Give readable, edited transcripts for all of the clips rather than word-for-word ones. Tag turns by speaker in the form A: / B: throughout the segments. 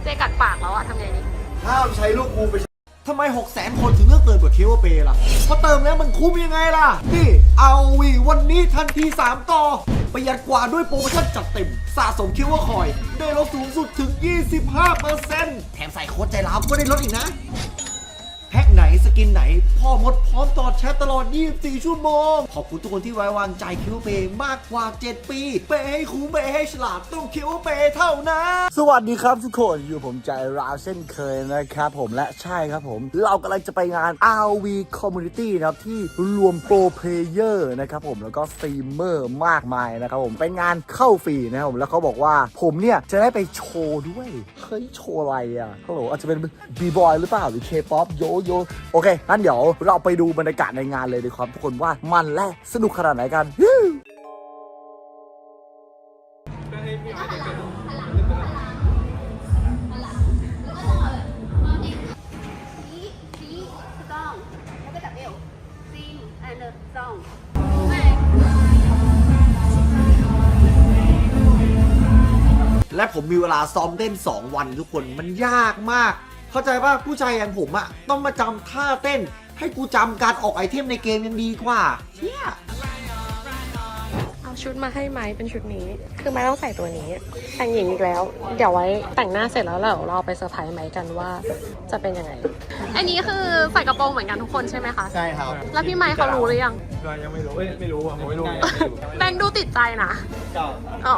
A: กัดปากแล้วอะทำไงดี
B: ห้ามใช้ลูกกูไปทำไม 600,000 คนถึงเลือกเติมกับเคเวอร์เปย์ล่ะเพราะเติมแล้วมันคุ้มยังไงล่ะนี่เอาวีวันนี้ทันที3ต่อประหยัดกว่าด้วยโปรโมชั่นจัดเต็มสะสมเคเวอร์คอยได้ลดสูงสุดถึง 25% แถมใส่โค้ดใจร้าวก็ได้ลดอีกนะแพ็คไหนสกินไหนพ่อมดพร้อมตอบแชทตลอด 24 ชั่วโมงขอบคุณทุกคนที่ไว้วางใจคิวเปย์มากกว่า 7 ปีเปย์ให้คุ้มเปย์ให้ฉลาดต้องคิวเปย์เท่านั้นสวัสดีครับทุกคนอยู่ผมใจร้าวเช่นเคยนะครับผมและใช่ครับผมเรากำลังจะไปงาน RV Community นะครับที่รวมโปรเพลเยอร์นะครับผมแล้วก็สตรีมเมอร์มากมายนะครับผมเป็นงานเข้าฟรีนะครับผมแล้วเขาบอกว่าผมเนี่ยจะได้ไปโชว์ด้วยเฮ้ยโชว์อะไรอ่ะฮัลโหลอาจจะเป็นบีบอยหรือเปล่าหรือเคป๊อปโยโอเคงั้นเดี๋ยวเราไปดูบรรยากาศในงานเลยดีครับทุกคนว่ามันและสนุกขนาดไหนกันและผมมีเวลาซ้อมเต้น2 วันทุกคนมันยากมากเข้าใจป่ะผู้ชายอย่างผมอะต้องมาจำท่าเต้นให้กูจำการออกไอเทมในเกมยังดีกว่าเชี่ย
A: เอาชุดมาให้ไม้เป็นชุดนี้คือไม้ต้องใส่ตัวนี้แต่งหญิงอีกแล้วเดี๋ยวไว้แต่งหน้าเสร็จแล้วเราไปเซอร์ไพรส์ไม้กันว่าจะเป็นยังไงอันนี้คือใส่กระโปรงเหมือนกันทุกคนใช่ไหมคะ
B: ใช่ครับ
A: แล้วพี่ไม้เขารู้หรือยัง
C: ก็ยังไม่รู้ไม่รู้อ่ะผมไม่รู้
A: แบงค์ดูติดใจนะอ๋อ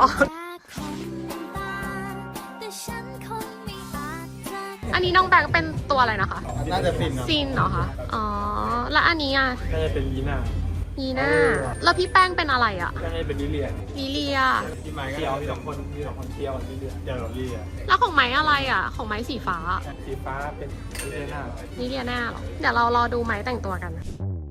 A: อันนี้น้องแบงค์เป็นตัวอะไรนะคะ
C: น่าจะฟิน
A: ซินเหรอคะอ๋อแล้วอันนี้อ่ะ
C: น่าจะเป็นยีน่า
A: แล้วพี่แป้งเป็นอะไรอ่ะ
C: น่าจะเป็นลิเลียพี่ไม้ก็มี2 คนเที่ยวลิเลียลิเลีย
A: แล้วของไม้อะไรอ่ะของไม้สีฟ้า
C: เป็น
A: ลิเลียน่าเหรอเดี๋ยวเรารอดูไม้แต่งตัวกัน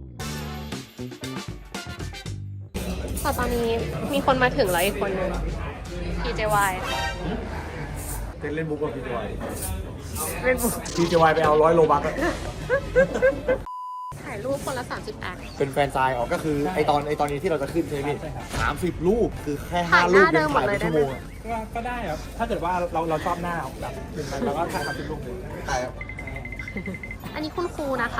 A: แต่ตอนนี้มีคนมาถึงแล้วอีกคนนึง PJY
C: เล่นบุ๊กกับพี่จอย
A: เล่นบุ๊ก
C: พี่จอยไปเอา100 โลบัค
A: ถ่ายรูปคนละ30 แอค
B: เป็นแฟนซายออกก็คือไอตอนนี้ที่เราจะขึ้นใช่ไหมพี่30 รูปคือแค่5 รูปยังถ่ายเป็นชั่วโมง
C: ก็ได้ครับถ้าเกิดว่าเราชอบหน้าแบบเป็นมันเราก็ถ่าย30 รูปเลย
B: ถ่ายครับ
A: อันนี้คุณครูนะคะ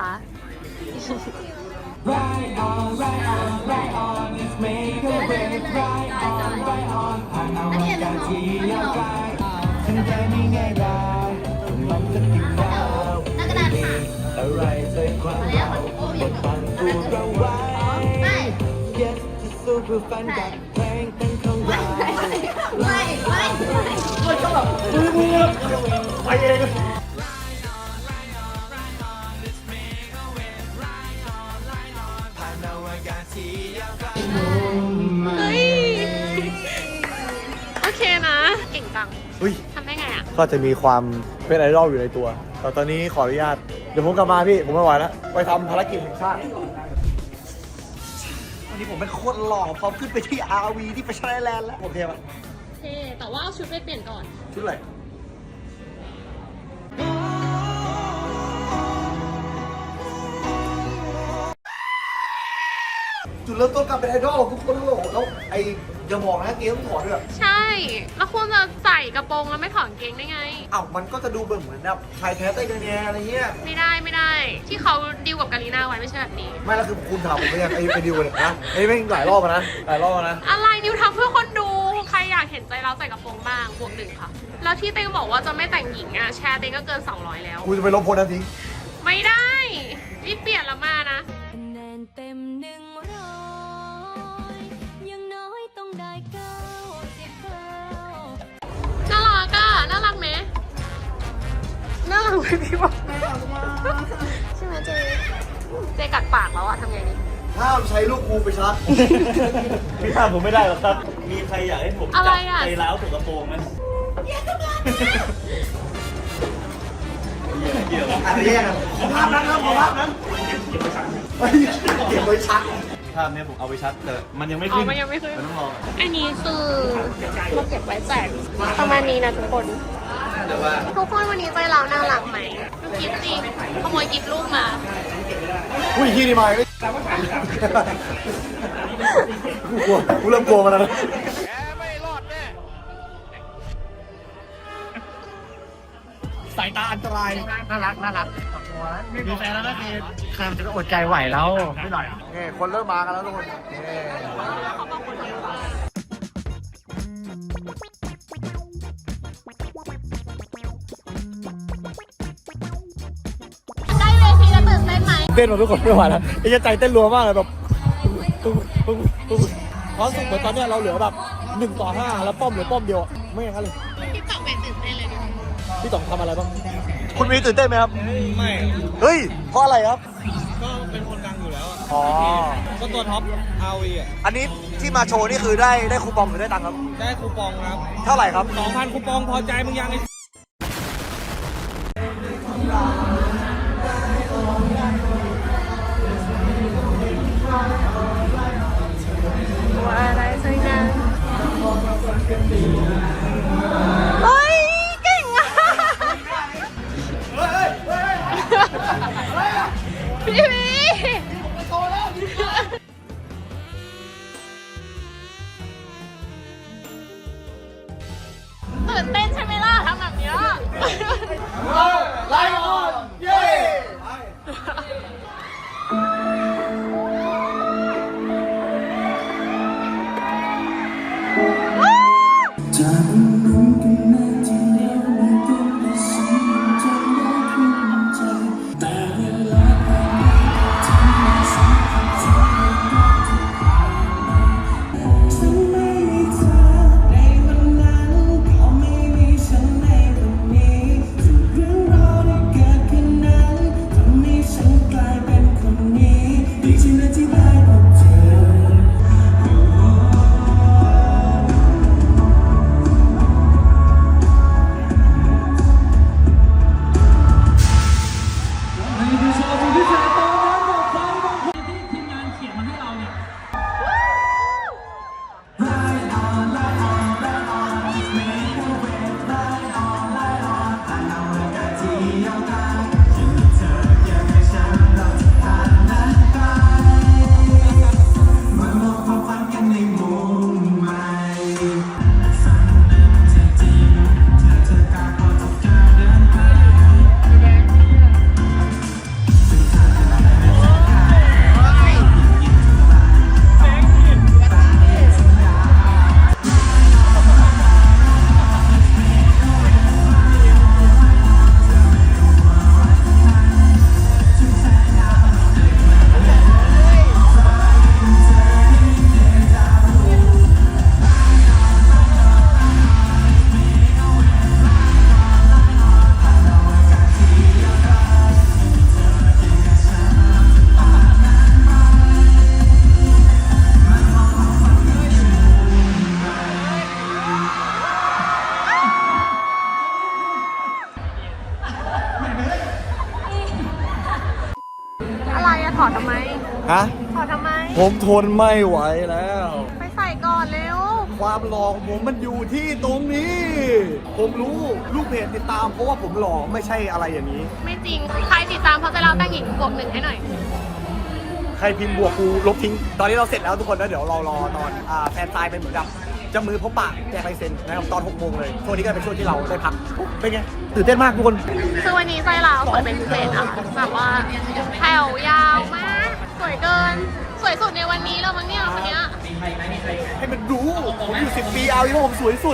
D: Right on, right on, right on, let's make a wave. Right on, right on, ผ่านเอาอากาศที่ยาวไกลถึงใจไม่ง่ายดายมันจะติดดาวอะไรใจความเราบดบังตัวเราไว้ Yes จะสู้เพื่อฝันกับเพลงเป็นของเรา
B: มันก็แบบมือไปเอง
A: เฮ้ยโอเคนะเก่งจังทำได้ไงอ่ะ
B: ก็จะมีความเป็นไอดอลอยู่ในตัวแต่ตอนนี้ขออนุญาตเดี๋ยวผมกลับมาพี่ผมไม่ไหวแล้วไปทำภารกิจแห่งชาติวันนี้ผมเป็นโคตรหล่อพร้อมขึ้นไปที่ RV ที่ไปชนะแลนด์แล้วโอเคปะ
A: โอเคแต่ว่าเอาชุดไปเปลี่ยนก่อน
B: ชุดอะไรจุดเริ่มต้นการเป็นไอดอลทุกคนโหลแล้วไออย่าบอกนะเกมต้องถอดด้วย
A: ใช่แล้วคุณจะใส่กระโปรงแล้วไม่ถอดกางเกงได้ไง
B: อ้าวมันก็จะดูเหมือนแบบชายแท้ใต้เนื้ออะไรเงี้ย
A: ไม่ได้ที่เขาดีลกับกาลีน่าไว้ไม่ใช่แบบนี้
B: ไม่แล้วคือคุณถามผมไม่ยังไอดิวเลยนะไอไม่หลายรอบนะ
A: อะไรดิวทำเพื่อคนดูใครอยากเห็นใจเราใส่กระโปรงบ้างบวก1ค่ะแล้วที่เต็งบอกว่าจะไม่แต่งหญิงอ่ะแชร์เต็งก็เกิน200แล้ว
B: คุณจะไปลบโพสต์นั้นทิ้ง
A: ไม่ได้รีบเปลี่ยนแล้วมานะน่ารักไหมน่ารักไหมพี่บอกใช่ไหมเจกัดปากแล้วอะทำไงดี
B: ห้ามใช้ลูกกูไปชัก
C: พี่ห้ามผมไม่ได้หรอกครับมีใครอยากให้ผมจับใจร้าวถูกกระโปรงไหม
B: เกี่ยวอะไรแย่กันขอภาพนั้นครับขอภาพนั้นเก็บไว้ชัก
C: ภาพนี้ผมเอาไปชัดแต่มันยังไม่ขึ้น
A: มันต้องรออันนี้คือเราเก็บไว้แจกประมาณนี้นะทุกคนทุกคนวันนี้ใจเราน่ารักไหมดูกิฟต์สิขโมยกิฟต์ลูกมา
B: อุ้ยที่นี่มากูเริ่มกลัวมันแล้วสายตาอันตราย
E: น่ารักมีแฟนแล้วก็คือใครมันจะอดใจไหวแล้วไม่หน่อย
B: นี่คนเริ่มมากันแล้วทุกคนนี่
A: ได้เวทีแล้วตื่นเต้นไหม
B: เต้นมาทุกคนไม่ไหวแล้วไอ้ใจเต้นรัวมากเลยแบบความรู้สึกเหมือนตอนเนี้ยเราเหลือแบบ1-5แล้วป้อมเหลือป้อมเดียวไม่อย่างนั้นเลย
A: พี่ต๋องเป็นตื่นเต้นเลยดู
B: พี่ต๋องทำอะไรบ้างคุณมีตื่นเต้นไหมครับไม่เฮ้ยเพราะอะไรครับ
C: ก็เป็นคนดังอยู่แล้วอะ
B: อ๋อ
C: ก็ตัวท็อป RV อ่ะ
B: อันนี้ที่มาโชว์นี่คือได้คูปองหรือได้ตังค์ครับ
C: ได้คูปองครับ
B: เท่าไหร่ครับ
C: 2,000 คูปองพอใจมึงยังไง
A: ว่าอะไรสักอย่างเฮ้ยเก่งอ่ะพี่วีตื่นเต้นใช่ไหมล่ะทำแบบเนี้ย
B: ไลออนเย้
D: จากนั้นกันนาทีเดียวไม่เป็นและฉันจะรักขึ้นใจแต่เวลาผ่านไปทำให้ฉันเข้าใจว่าจะผ่านไปฉันไม่มีเธอในวันนั้นก็ไม่มีฉันในวันนี้ทุกเรื่องราวที่เกิดขึ้นนั้นทำให้ฉันกลายเป็นคนนี้ดีใจนะที่ได้พบเธอ
A: อะไรอะถอดทำไม
B: ฮะ
A: ถอดทำไม
B: ผมทนไม่ไหวแล้ว
A: ไปใส่ก่อนเร็ว
B: ความหล่อของผมมันอยู่ที่ตรงนี้ ผมรู้ลูกเพจติดตามเพราะว่าผมหล่อไม่ใช่อะไรอย่างนี้
A: ไม่จริง ใครติดตามเพราะจะเล่าตั้งหญิงบวก1ให้หน่อย
B: ใครพิมพ์บวกกูลบทิ้ง ตอนนี้เราเสร็จแล้วทุกคนแล้วเดี๋ยวเรารอตอนแฟนไซน์เป็นเหมือนกับจะมือพบปะแจกลายเซ็นนะครับตอน6 โมงเลยช่วงนี้ก็เป็นช่วงที่เราได้พักเป็นไงตื่นเต้นมากทุกคน
A: คือวันนี้ไฟลาวสวยเป็นพิเศษอะแบบว่าแถวยาวมาก สวยเกิน สวยสุดในวันนี้แล้วมั้งเนี่ยคนเนี้ย
B: ให้มันรู้ผมอยู่10 ปีเอาที่ว่าผมสวยสุด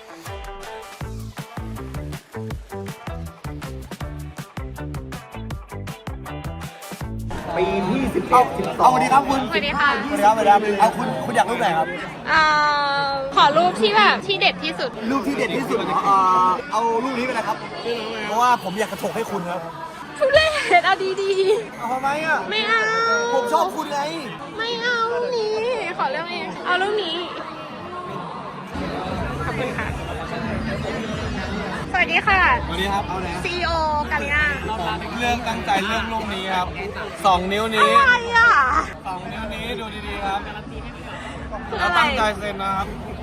B: ปีที่11 12เอาสวัสดีครับคุณ
A: สวัสดีค่ะ
B: สวัสดีครับสวัสดีครับเอาคุณอยากรูปไหนครับ
A: ขอรูปที่แบบที่เด็ดที่สุด
B: รูปที่เด็ดที่สุดเหรอเอารูปนี้ไปนะครับ เพราะว่าผมอยากกระโถกให้คุณครับ
A: ทุเรศเอาดี
B: เอาทำไมอ่ะ
A: ๆ ไม่เอา
B: ผมชอบคุณไง
A: ไม่เอารูปนี้ ขอเรื่องนี้เอารูปนี้ ขอบคุณค่ะ สวัสดีค่ะ
C: สวัสดีครับ เอาไหน
A: CEO กาลิน่า
C: เรื่องตั้งใจเรื่องรูปนี้ครับ 2 นิ้วนี้
A: อะไรอ่ะ
C: 2 นิ้วนี้ดูดีๆครับ
A: คือ
C: เรา
A: อะไร
C: ตั้งใจเซ็นนะครับ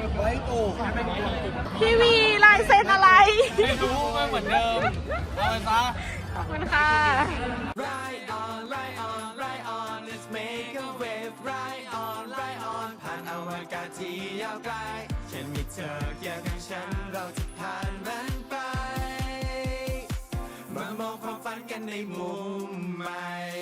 A: พี่วีลายเซ็นอะไร
C: ไม่รู้ไม่เหมือนเดิม เอาไปซะ
A: ขอบคุณค่ะ
D: Ride on, ride on, ride on, let's make a wave. Ride on, ride on ผ่านอวกาศที่ยาวไกลฉันมีเธอเคียงข้างฉันเราจะผ่านมันไปกันในมุมใหม่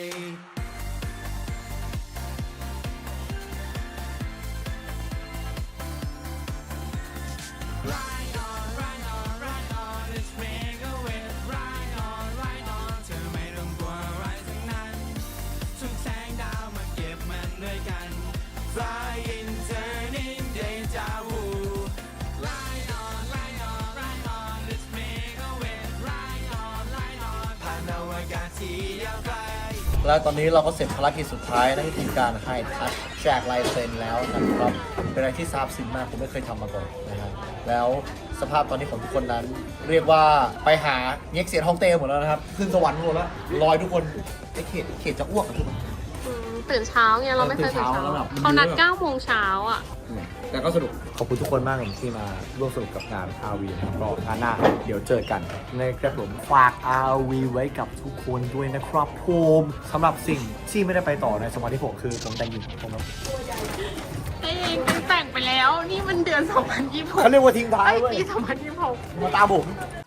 D: Ride on, ride on, ride on, let's make a wave. Ride on, ride on เธอไม่ต้องกลัวอะไรทั้งนั้น ทุกแสงดาวมาเก็บมันด้วยกัน Flying, turning, deja vu. Ride on, ride on, ride on, let's make a wave. Ride on, ride on ผ่านอวกาศที่ยาวไกล
B: แล้วตอนนี้เราก็เสร็จภารกิจสุดท้ายนั่นก็คือการให้ทัชแจกลายเซ็นแล้วนะครับเป็นอะไรที่ซาบซึ้งมากผมไม่เคยทำมาก่อนนะฮะแล้วสภาพตอนนี้ของทุกคนนั้น เรียกว่าไปหาเง็กเสียนฮ่องเต้หมดแล้วนะครับขึ้นสวรรค์หมดแล้วลอยทุกคนไอ้เขตจะอ้วกอะทุกคน
A: ตื่นเช้าไงเราไม่เคยตื่นเช้า
B: ตื่นเช้าแล้วแบบ
A: เขานัด9 โมงเช้าอ่ะ
B: แต่ก็สนุกขอบคุณทุกคนมากเลยที่มาร่วมสนุกกับงาน RV นะครับก็งานหน้าเดี๋ยวเจอกันนะครับผมฝาก RV ไว้กับทุกคนด้วยนะครับผมสำหรับสิ่งที่ไม่ได้ไปต่อในสมัยที่ผมคือผมแต่งหญิงผมครับ
A: เองแต่งไปแล้ว นี่มันเดือน 2026
B: เขาเรียกว่าทิ้งท้าย
A: ไอ้
B: เว้ย
A: ปี 2026
B: มาตามผม